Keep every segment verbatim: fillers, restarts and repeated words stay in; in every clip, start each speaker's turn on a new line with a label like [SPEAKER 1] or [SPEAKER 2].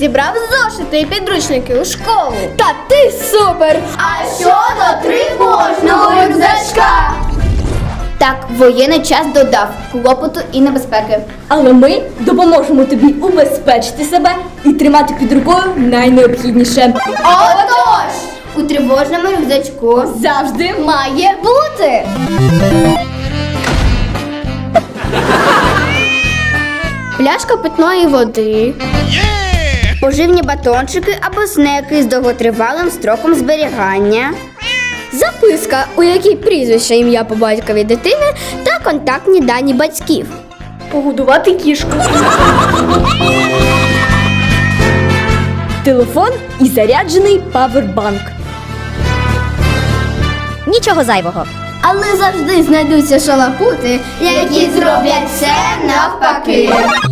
[SPEAKER 1] Зібрав зошити і підручники у школу.
[SPEAKER 2] Та ти супер!
[SPEAKER 1] А щодо тривожного рюкзачка?
[SPEAKER 2] Так, воєнний час додав клопоту і небезпеки.
[SPEAKER 3] Але ми допоможемо тобі убезпечити себе і тримати під рукою найнеобхідніше.
[SPEAKER 1] Отож!
[SPEAKER 2] У тривожному рюкзачку
[SPEAKER 3] Завжди
[SPEAKER 1] Має бути!
[SPEAKER 2] пляшка питної води, поживні батончики або снеки з довготривалим строком зберігання, записка, у якій прізвище, ім'я по батькові дитини та контактні дані батьків.
[SPEAKER 3] погодувати кішку. Телефон і заряджений павербанк.
[SPEAKER 2] Нічого зайвого. Але завжди знайдуться шалапути, які зроблять все навпаки.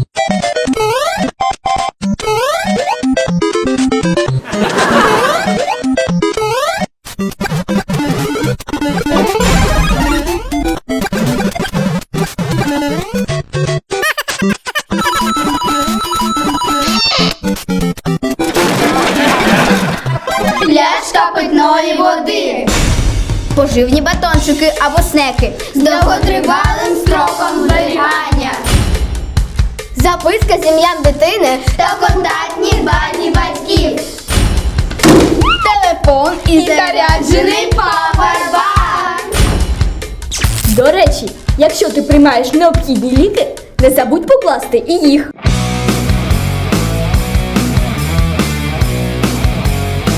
[SPEAKER 1] Пляшка питної води.
[SPEAKER 2] Поживні батончики або снеки
[SPEAKER 1] З довготривалим строком зберігання.
[SPEAKER 2] записка з ім'ям дитини
[SPEAKER 1] Та контактні дані батьків.
[SPEAKER 2] телефон
[SPEAKER 1] І заряджений павербанк.
[SPEAKER 3] До речі, якщо ти приймаєш необхідні ліки, не забудь покласти і їх.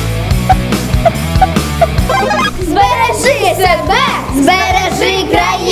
[SPEAKER 1] Збережи себе, збережи країну.